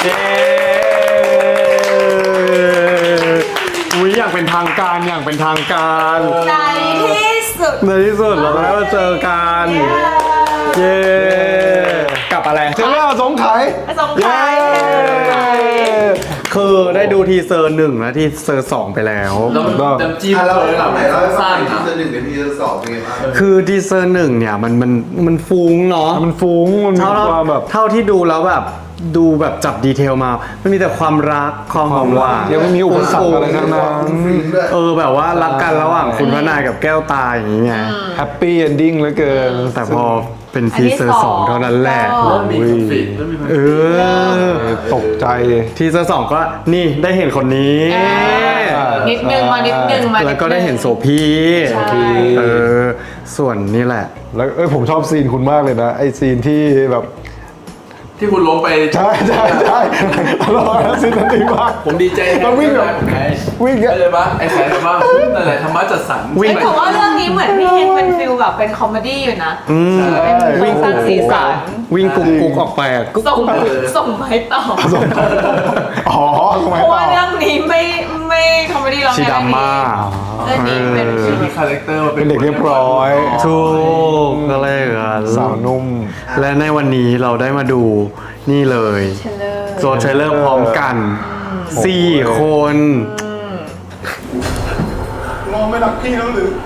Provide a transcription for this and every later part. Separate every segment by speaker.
Speaker 1: เย้อุ้ยอย่างเป็นทางการอย่างเป็นทางการ
Speaker 2: ในที่สุด
Speaker 1: ในที่สุดเราได้มาเจอกันเย้กับอะไร
Speaker 3: เจอแล้วสงไข
Speaker 2: สงไข่
Speaker 1: คือได้ดูทีเซอร์1และทีเซอร์2ไปแล้ว
Speaker 4: แล้วมันจะจิ้ม
Speaker 5: เรา
Speaker 4: เลยแบบ
Speaker 5: ไหนเรา
Speaker 4: สั้น
Speaker 5: ที
Speaker 4: ๆ
Speaker 5: เซอ
Speaker 4: อะ
Speaker 5: ร์หนึ่งกับทีเซอร์สองเป็นไงบ้าง
Speaker 1: คือทีเซอร์1เนี่ยมันฟุ้งเนาะ
Speaker 3: มันฟุ้งมันมีความแบบ
Speaker 1: เท่าที่ดูแล้วแบบดูแบบจับดีเทลมา มันมีแต่ความรักความหอมหวาน
Speaker 3: ยังไม่มีอุปสรรคอะไรทั้งนั้น
Speaker 1: แบบว่ารักกันระหว่างคุณพระนายกับแก้วตาอย่างนี้ไง
Speaker 3: แฮปปี้เอนดิ้งเหลือเกิน
Speaker 1: แต่พอเป็นทีเซอร์2เท่านั้นแหละ
Speaker 4: เริ่มมีคอนฟ lict เริ่มมีคอนฟ
Speaker 1: เอ
Speaker 4: lict
Speaker 1: อ
Speaker 3: ตกใจ
Speaker 1: ทีเซอร์2ก็นี่ได้เห็นคนนี้
Speaker 2: นิดนึงมานิดนึงมา
Speaker 1: แล้วก็ได้เห็นโสพี
Speaker 2: ใช่
Speaker 1: ส่วนนี่แหละ
Speaker 3: แล้วผมชอบซีนคุณมากเลยนะไอซีนที่แบบ
Speaker 4: ที่คุณล้มไป
Speaker 3: ใช่อร่อยนะซีนนั้นดีมาก
Speaker 4: ผมดีใจแทน
Speaker 3: มันวิ่งแบบ
Speaker 4: ผมไง
Speaker 3: วิ่ง
Speaker 4: ได้เลยปะไอ้สายแบบว่านั่นแหละธรรมะจัดสรร
Speaker 1: วิ่ง
Speaker 2: แต่ว่าเรื่องนี้เหมือนพี่เฮงเป็นฟิลแบบเป็นคอมเมดี้อยู่นะ
Speaker 1: วิ่ง
Speaker 2: สร้างสีสัน
Speaker 1: วิ่งกุ๊กออกไปอะกุ๊ก
Speaker 2: ส่งไปต่อ
Speaker 3: อ๋อทำไม
Speaker 2: เพราะ
Speaker 3: ต่
Speaker 2: ว่า
Speaker 3: อ
Speaker 2: เรื่องนี้ไม่คอมเมดี้ร้อง
Speaker 1: ชี
Speaker 2: ไห้
Speaker 1: ดราม่า
Speaker 2: เรื่องนี้เป็น
Speaker 4: มีคาแรคเตอร์
Speaker 3: เป็นเด็กเรียบร้อย
Speaker 1: ถูกก็เลยกัน
Speaker 3: สาวนุ่ม
Speaker 1: และในวันนี้เราได้มาดูนี่เลย
Speaker 2: เทรลเลอร์
Speaker 1: โซเทรลเลอร์พร้อมกัน4 คน
Speaker 5: มองไม่รักพี่แล้วหรือ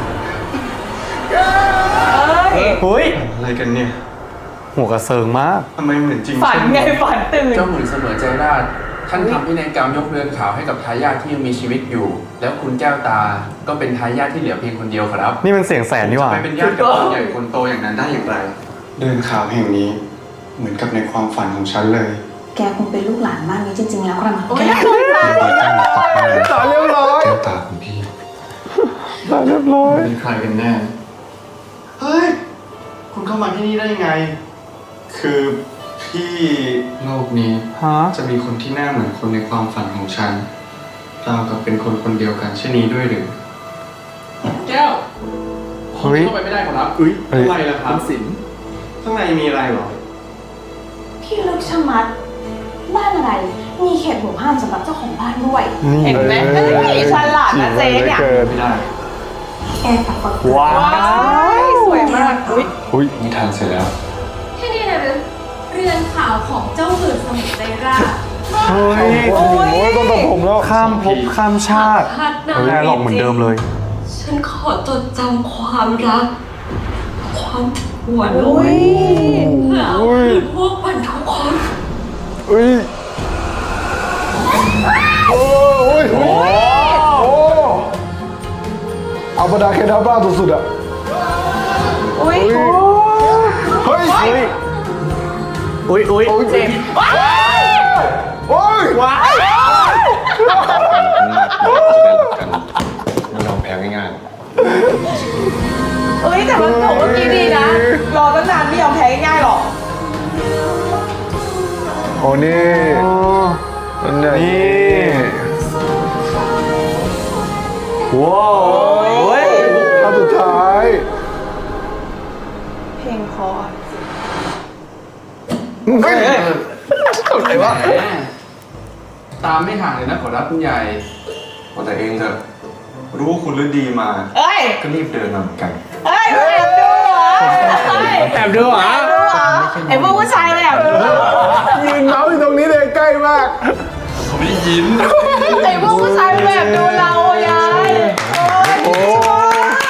Speaker 1: เฮ้ย อะไรกันเนี่ย หัวกระเซิงมากทำไมเหมือนจริง
Speaker 2: ฝันไงฝันตื่น
Speaker 4: เจ้าหมุนเสมอใจราชท่านทำพินัยกรรมยกเรือนขาวให้กับทายาทที่ยังมีชีวิตอยู่ แล้วคุณแก้วตาก็เป็นทายาทที่เหลือเพียงคนเดียวครับ
Speaker 1: นี่มันเสียงแสนนี่หว่า
Speaker 4: จะไปเป็นญาติกับคนใหญ่คนโตอย่างนั้นได้อย่างไร
Speaker 6: เดินขาวแห่งนี้เหมือนกับในความฝันของฉันเลย
Speaker 7: แกคงเป็นลูกหลานบ้านนี้จริงๆแล้วกระมัง
Speaker 2: โอ้ย
Speaker 7: แก
Speaker 3: สาวเรียบร้อย
Speaker 6: แก้วตาของพี่
Speaker 3: สาวเรียบร้อย
Speaker 4: เป็นใครกันแน่
Speaker 6: เฮ้ย คุณเข้ามาที่นี่ได้ยังไง คือพี่โลกนี้
Speaker 1: ฮะ
Speaker 6: จะมีคนที่หน้าเหมือนคนในความฝันของฉันเรากับเป็นคนคนเดียวกันเช่นนี้ด้วยหรือ
Speaker 4: แก้ว
Speaker 1: เฮ้ย
Speaker 4: เข้าไปไม่ได้ครับ
Speaker 1: อุ้ย
Speaker 6: ทำไมล่ะครั
Speaker 4: คุ
Speaker 6: บ
Speaker 4: ณสิน
Speaker 6: ข้างในมีอะไรเหรอ
Speaker 7: พี่ลึกชะมัด บ้านอะไร มีเขตห่วงห้ามสำหรับเจ้าของบ้านด้วย
Speaker 2: เห็นไหมเอ้ยฉลาดนะเจ๊เนี่ย
Speaker 4: ไม่ได้
Speaker 7: แกปักปัก
Speaker 1: ว้า
Speaker 2: ว้ายสวยมากอุ้ย
Speaker 3: อุ้ย
Speaker 6: นิทานเสร็จแล้ว
Speaker 8: ที่นี่นะหรือเรือนขาวของเจ้าหื่นสมุทรใจราช
Speaker 1: เฮ้ย
Speaker 3: โอ้ยต้องตัดผมแล้ว
Speaker 1: ข้ามภพข้ามชาติ
Speaker 8: ชาติหน้า
Speaker 1: แม่หลอกเหมือนเดิมเลย
Speaker 8: ฉันขอจดจำความรัก ความหวานล้นเพื่อเอาคืนพวกมันทุกคน
Speaker 3: อุ้ยโอ้ยโอ้เอาบรรดาเคดาบ้าสุดๆอ่ะ
Speaker 2: อุ้ย
Speaker 3: เฮ้ย
Speaker 1: อุ้ย
Speaker 2: เจ็บว้าย
Speaker 3: โอ้ย
Speaker 1: ว้าย
Speaker 6: ไม่ยอมแพ้ง่าย
Speaker 2: เอ้ยแต่มันจบเมื่อกี้ดีนะ รอตั้งนานไม่ยอมแพ้ง่ายๆหรอก
Speaker 3: โอ้นี่มันอย่างนี้
Speaker 1: ว้าวเฮ้ย
Speaker 3: ภาพสุดท้าย
Speaker 2: เพลงเพอ
Speaker 3: เฮ้ย
Speaker 4: อะไรวะตามไม่ห่างเลยนะขอรับคุณใหญ่
Speaker 6: ๆเอาแต่เองเถอะ รู้ว่าคุณฤดีมา
Speaker 2: เอ้ย
Speaker 6: ก็รีบเดินมาเหมือนกัน
Speaker 2: เอ้ยแอบดูเหรอเอ้ย
Speaker 1: แอบดูเหรอ
Speaker 2: แอบดูเหรอไอ้พวกผู้ชายเลยแอบดูเหรอ
Speaker 3: ยืนเมาส์อยู่ตรงนี้เลยใกล้มาก
Speaker 4: เขาไม่ได้ยิน
Speaker 2: ไอ้พวกผู้ชายมันแอบดูเราอะยายโอ้ยชอบ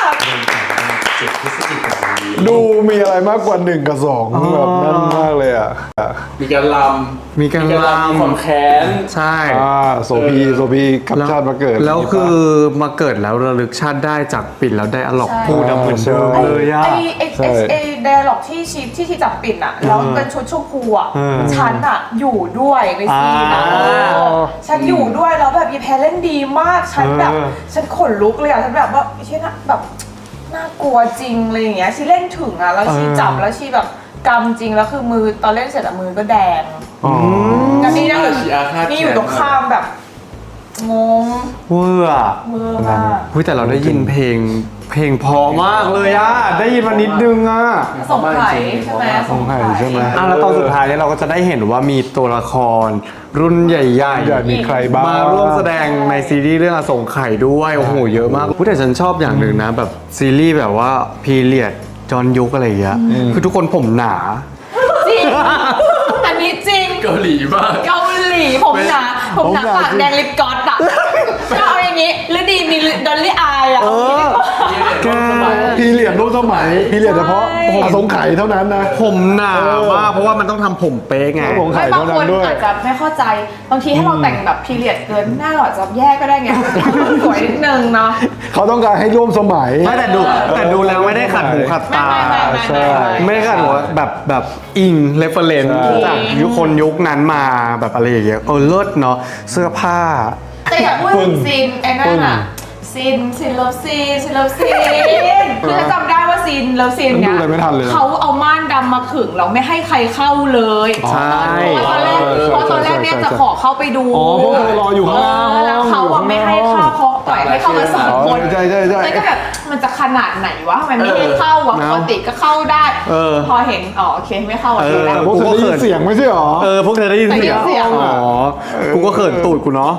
Speaker 3: ดูมีอะไรมากกว่า1 กับ 2แบบนั่นมากเลยอ่ะ
Speaker 4: มีการล
Speaker 1: มีการ
Speaker 4: ำ
Speaker 1: ล
Speaker 4: มีความแค้น
Speaker 1: ำใช่
Speaker 3: โสพีกับชาติมาเกิด
Speaker 1: แล้วคือมาเกิดแล้วระลึกชาติได้จากปิ่นแล้วได้อะล็อกพูดเหมือนเดิมเลยอะ
Speaker 2: ไอ้ไดอะล็อกที่ที่จับปิ่นอะแล้วเป็นชุดชมพูอะ
Speaker 1: เออ
Speaker 2: ฉันอะอยู่ด้วยในซีนอะ ฉันอยู่ด้วยแล้วแบบยีแพรเล่นดีมาก ฉันแบบ ฉันขนลุกเลยอะฉันแบบว่าเช่นแบบน่ากลัวจริงอะไรอย่างเงี้ยชีเล่นถึงอะแล้วชีจับแล้วชีแบบกำจริงแล้วคือมือตอนเล่นเสร็จอะมือก็แดง แล้วนี่นั่งอยู่
Speaker 4: ชีอาฆาต
Speaker 2: นี่อยู่ตรงข้ามแบบงง
Speaker 1: เวอร์อะ
Speaker 2: เมื่อมาก
Speaker 1: เฮ้ยแต่เราได้ยินเพลงเพลงเพอมากเลยอ่ะได้ยินมานิดนึงอ่ะ
Speaker 2: สงไข่ใช่ไหม
Speaker 3: สงไข่ใช่ไหม
Speaker 1: แล้วตอนสุดท้ายเนี่ยเราก็จะได้เห็นว่ามีตัวละครรุ่นใหญ่
Speaker 3: อยากมีใครบ้าง
Speaker 1: มาร่วมแสดงในซีรีส์เรื่องอสงไข่ด้วยโอ้โหเยอะมากพูดแต่ฉันชอบอย่างหนึ่งนะแบบซีรีส์แบบว่าพีเรียดจอนยุคอะไรอย่างเงี้ยคือทุกคนผมหนา
Speaker 2: จริงอันนี้จริง
Speaker 4: เกาหลีมาก
Speaker 2: เกาหลีผมหนาปากแดงลิปกลอสอะก็เอาอย่างนี้หรือดีมีดอลลี่อายอะ
Speaker 1: แก
Speaker 3: พีเรียดรูปสมัยพีเรียดเฉพาะอสงไข่เท่านั้นนะ
Speaker 1: ผมหนามากเพราะว่ามันต้องทำผมเป๊ะไง
Speaker 3: สงไข่
Speaker 2: ไม่บาง
Speaker 3: เท่านั้
Speaker 2: คน
Speaker 3: นด้วย
Speaker 2: อาจจะไม่เข้าใจบางทีให้เราแต่งแบบพีเรียดเกินหน้าเราอาจจะแย่ก็ได้ไงสวยนิดนึงเนาะ
Speaker 3: เขาต้องการให้ร่วมสมัย
Speaker 1: ไม่แต่ดูแล้วไม่ได้ขัดหูขัดตา
Speaker 3: ใช่
Speaker 1: ไม่ได้ขัดหัวแบบอิงเรฟเฟรนซ์
Speaker 3: ใช่
Speaker 1: จากยุคนั้นมาแบบอะไรอย่างเงี้ยเลิศเนาะเสื้อผ้า
Speaker 2: แต่อย่าพูดถึงซีนไอ้นั่นอะซีนเลิฟซีนคือจะจำได้ว่าซีนเลิฟซีนเนี่ย
Speaker 3: ดูอะไรไม่ทันเลยนะ
Speaker 2: เขาเอาม่านดำมาขึงแล้วไม่ให้ใครเข้าเลย
Speaker 1: ใช่
Speaker 2: เพราะตอนแรกเนี่ยจะขอเข้าไปดู
Speaker 3: อ๋อพวกเธอรออยู่ข้างล่าง
Speaker 2: แล้วเขาอะไม่ให้เข้าเขาปล่อยให้เข้ามาสองคน
Speaker 3: ใช่
Speaker 2: เลยก็แบบมันจะขนาดไหนวะทำไมไม่ให้เข้าอะปกติก็เข้าได้ พอเห็นอ๋อโอเคไม่เข้าอะแล้ว
Speaker 3: พวกเธอได้ยินเสียงไม่ใช่หรอ
Speaker 1: พวกเธอได้ยินเสียง
Speaker 2: ได้ยินเสียง
Speaker 1: อ๋อกูก็เขินตูดกูเนาะ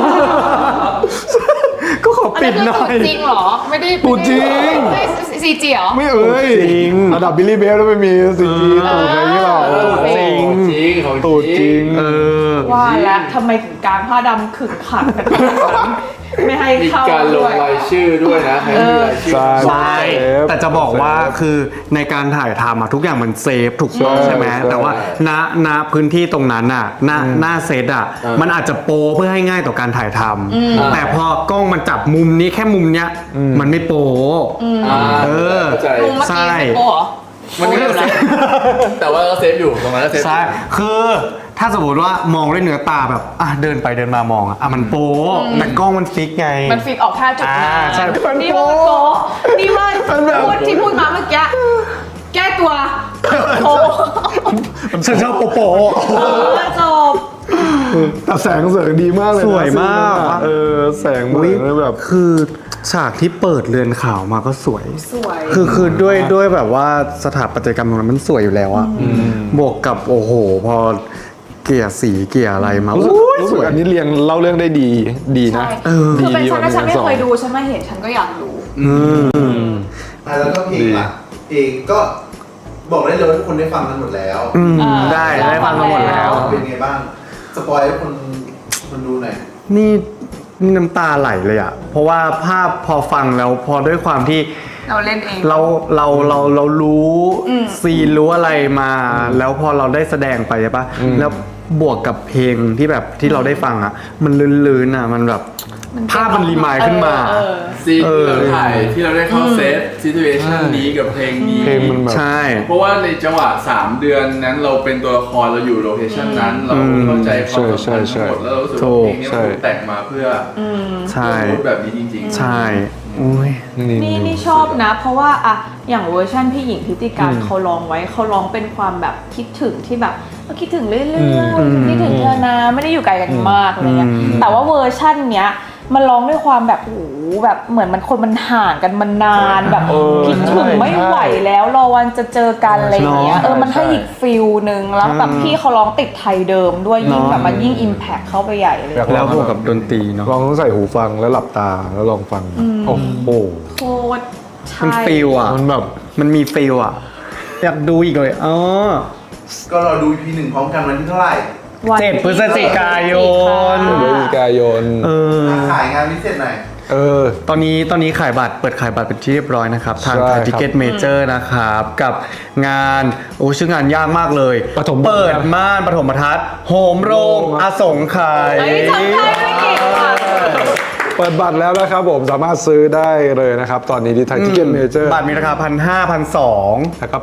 Speaker 1: ก็ขอปิดหน่อย
Speaker 2: จริงเหรอไม่ได้
Speaker 3: ตูดจริง
Speaker 2: ซีจีเหรอ
Speaker 3: ไม่เอ่ย
Speaker 1: จริง
Speaker 3: ระดับบิลลี่เบลแล้วไม่มีซีจีตูดอะไรอย่างเงี้ยหรอก
Speaker 1: จริง
Speaker 3: ตูดจริง
Speaker 2: ว่าแล้วทำไมถึงกลางผ้าดำขึงขังกันขนาดนั้นไม่ให้
Speaker 4: มี
Speaker 2: เข้า
Speaker 4: การล
Speaker 2: ด้
Speaker 4: ง
Speaker 2: วย
Speaker 4: รายชื่อด้วยนะให้มีรายชื่อ
Speaker 3: ใช่
Speaker 1: แต่จะบอกว่าคือในการถ่ายทำอะทุกอย่างมันเซฟถูกต้องใช่ไหม
Speaker 3: ใช่
Speaker 1: แต่ว่าณพื้นที่ตรงนั้นอะหน้าเซตอะมันอาจจะโปรเพื่อให้ง่ายต่อการถ่ายทำแต่พอกล้องมันจับมุมนี้แค่มุมเนี้ยมันไม่โปร
Speaker 4: เข้าใจ
Speaker 2: มุมเมื่อกี้เป็นโปะเหรอ
Speaker 4: มันก็เซฟแต่ว่าก็เซฟอยู่ตรงนั้นก็เซฟ
Speaker 1: ใช่คือถ้าสมมติว่ามองด้วยเนื้อตาแบบเดินไปเดินมามองอะมันโปรแต่กล้องมันฟิกไง
Speaker 2: มันฟิกออกแค่จุดนั้น
Speaker 1: ใช่
Speaker 2: นี่ว่าโปะนี่ว่าพูดที่พูดมาเมื่อกี้แก้ตัวโปะ
Speaker 1: ฉันชอบโปโป
Speaker 2: จบ
Speaker 3: แต่แสงเสริงดีมากเลยนะ
Speaker 1: สวยมาก
Speaker 3: แสงเหมือนแบบ
Speaker 1: คือฉากที่เปิดเรือนขาวมาก็สวย
Speaker 2: สวย
Speaker 1: คือด้วยแบบว่าสถาปัตยกรรมตรงนั้นมันสวยอยู่แล้วอะบวกกับโอ้โห พอเกลี่ยสีเกลี่ยอะไรมา
Speaker 3: รู้
Speaker 1: ส
Speaker 3: สึก
Speaker 1: วย
Speaker 3: อันนี้เรียงเล่าเรื่องได้ดีนะ
Speaker 2: คือเป็นฉันนะฉันไม่
Speaker 3: ดีกว่า
Speaker 2: เคยดูฉันไม่เห็นฉันก็อยากรู้
Speaker 5: แล้วก็เพลงล่ะเพลงก็บอกได้เลยว่าทุกคนได้ฟังกันหมดแล้ว
Speaker 1: ได้ฟังมาหมดแล้ว
Speaker 5: เป็นไงบ้าง สปอยให้คนดูหน่อย
Speaker 1: นี่น้ำตาไหลเลยอะเพราะว่าภาพพอฟังแล้วพอด้วยความที่
Speaker 2: เราเล่นเอง
Speaker 1: เรารู้ซีนรู้อะไรมา แล้วพอเราได้แสดงไปใช่ปะแล้วบวกกับเพลงที่แบบที่เราได้ฟังอะมันลื่นๆอะมันแบบภาพมันรีมายด์ขึ้นมา
Speaker 4: ซีนที่เราถ่ายที่เราได้เข้าเซตซิทูเอชันนี้กับเพลงนี้
Speaker 3: เพลงมันแบบ
Speaker 1: ใช่
Speaker 4: เพราะว่าในจังหวะ 3 เดือนนั้นเราเป็นตัวละครเราอยู่โลเคชันนั้น เราเข้าใจความสัมพันธ์ทั้งหมดแล้วเรารู้สึกว่าเพลงนี้มันถูกแต่งมาเพื่อ
Speaker 1: ใช่
Speaker 4: พูดแบบนี้จริงๆ
Speaker 1: ใช่อุ้ย
Speaker 2: นี่ชอบนะ เพราะว่าอะอย่างเวอร์ชั่นพี่หญิงพิติการเขาร้องไว้เขาร้องเป็นความแบบคิดถึงที่แบบคิดถึงเรื่อยๆคิดถึงเธอนะไม่ได้อยู่ไกลกันมากอะไรเงี้ยแต่ว่าเวอร์ชั่นเนี้ยมันร้องด้วยความแบบโอ้โหแบบเหมือนมันห่างกันมานานแบบคิดถึงไม่ไหวแล้วรอวันจะเจอกันอะไรอย่างเงี้ยมันให้อีกฟิลนึงแล้วแบบพี่เขาร้องติดไทยเดิมด้วยยิ่งแบบมันยิ่งอิมแพคเข้าไปใหญ่เลย
Speaker 1: แล้วบวกกับดนตรีเนาะ
Speaker 3: ลองต้องใส่หูฟังแล้วหลับตาแล้วลองฟัง โอ้โห
Speaker 2: โคตรใช่
Speaker 1: มันฟิลอะมันแบบมันมีฟิลอะอยากดูอีกเลย
Speaker 5: ก็รอดู EP 1 พร้อมกันวันที่เท่าไหร่
Speaker 1: 7 พฤศจิกายน
Speaker 3: พฤศจิกายน
Speaker 5: ขายงานพิเศษหน่อย
Speaker 1: ตอนนี้ขายบัตรเปิดขายบัตรเป็นที่เรียบร้อยนะครับ ทาง
Speaker 3: ใช่
Speaker 1: ไท
Speaker 3: ครั
Speaker 1: ย
Speaker 3: บ
Speaker 1: ทิเก็ตเมเจอร์นะครับ กับงานชื่องานยากมากเลย
Speaker 3: ปฐม
Speaker 1: เปิดม่านปฐมทัศน์โหมโรงอสงไขย
Speaker 2: เฮ้ยจำได้ไม่เก่งว่ะ
Speaker 3: เปิดบัตรแล้วนะครับผมสามารถซื้อได้เลยนะครับ ตอนนี้ที่ไทยทิเก็ตเมเจอร์
Speaker 1: บัตรมีราคา 1,500 1,200
Speaker 3: แล้วก็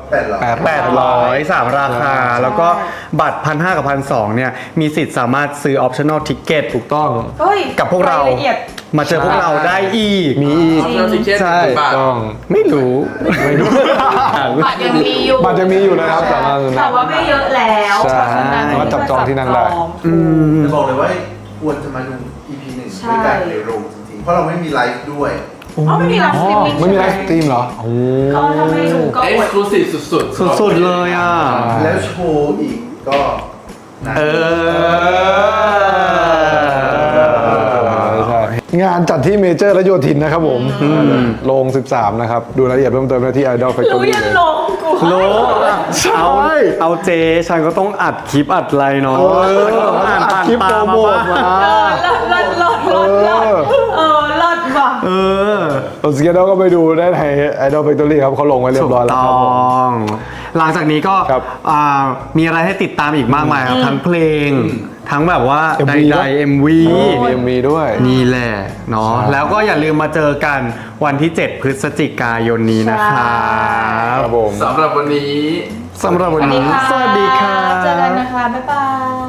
Speaker 1: 800 3 ราคา แล้วก็บัตร 1,500 กับ 1,200 เนี่ย มีสิทธิ์สามารถซื้อ optional ticket ถูกต้อง
Speaker 2: เฮ้ย
Speaker 1: กับพวกเรา
Speaker 2: ยละเอียด
Speaker 1: มาเจอพวกเราได้อีก
Speaker 3: มีอีก
Speaker 4: เราทิเก็ต
Speaker 1: ใช่
Speaker 4: บาท
Speaker 3: ต้อง
Speaker 1: ไม่รู้
Speaker 2: บัตรยังมีอยู่
Speaker 3: บัตรยังมีอยู่นะครับสามารถซื้อได้
Speaker 2: แต่ว่าไม่เยอะแล้ว
Speaker 3: ใช่
Speaker 2: เพราะฉะนั้น
Speaker 3: สามารถจับจองที่นั่งได้
Speaker 5: จะบอกเลยว่าควรจะมาดู EP 1 ด้วยกันในโรงจริงๆ เพราะเราไม่มีไลฟ์ด้วย
Speaker 2: อ๋อไม่มีไลฟ์สตรีมมิ่ง
Speaker 3: ไม่มีไลฟ์สตรีมเหรอ
Speaker 2: ก็ถ้าไม่ดูก็
Speaker 4: เอ็กซ์คลูซีฟสุด
Speaker 1: สุดๆเลยอ่ะ
Speaker 5: แล้วโชว์อีกก็นะ
Speaker 1: เออ
Speaker 3: ใช่งานจัดที่เมเจอร์และโยธินนะครับผมโรง13นะครับดูรายละเอียดเพิ่มเติมได้ที่ Idol
Speaker 2: รู้
Speaker 3: Factory
Speaker 2: ยัน
Speaker 3: เลย
Speaker 2: ลงกู
Speaker 1: โลเอาเจฉันก็ต้องอัดคลิปอัดอะไรเนาะต้องอ่านผ่าน
Speaker 3: คลิป
Speaker 1: ตา
Speaker 3: โปร
Speaker 1: มา
Speaker 3: โมท
Speaker 1: บ้าง
Speaker 3: มา
Speaker 2: ลดลดว่ะ
Speaker 1: เออ
Speaker 3: ส่วนสเกดก็ไปดูได้ใน Idol Factory ครับเขาลงไว้เรียบร้อยแล้วครับผม
Speaker 1: ต้องหลังจากนี้ก็
Speaker 3: ครับ
Speaker 1: มีอะไรให้ติดตามอีกมากมายครับทั้งเพลง ทั้งแบบว่า
Speaker 3: MV
Speaker 1: ใดๆ MV
Speaker 3: มีด้วย
Speaker 1: นี่แหละเนาะ
Speaker 3: ใช่
Speaker 1: แล้วก็อย่าลืมมาเจอกันวันที่ 7 พฤศจิกายนนี้นะครับ
Speaker 3: ครับผม
Speaker 4: ๆสำหรับวันนี้
Speaker 1: สำหรับวันนี้ สวัสดีค่ะ
Speaker 2: เจอกันนะคะ บ๊ายบาย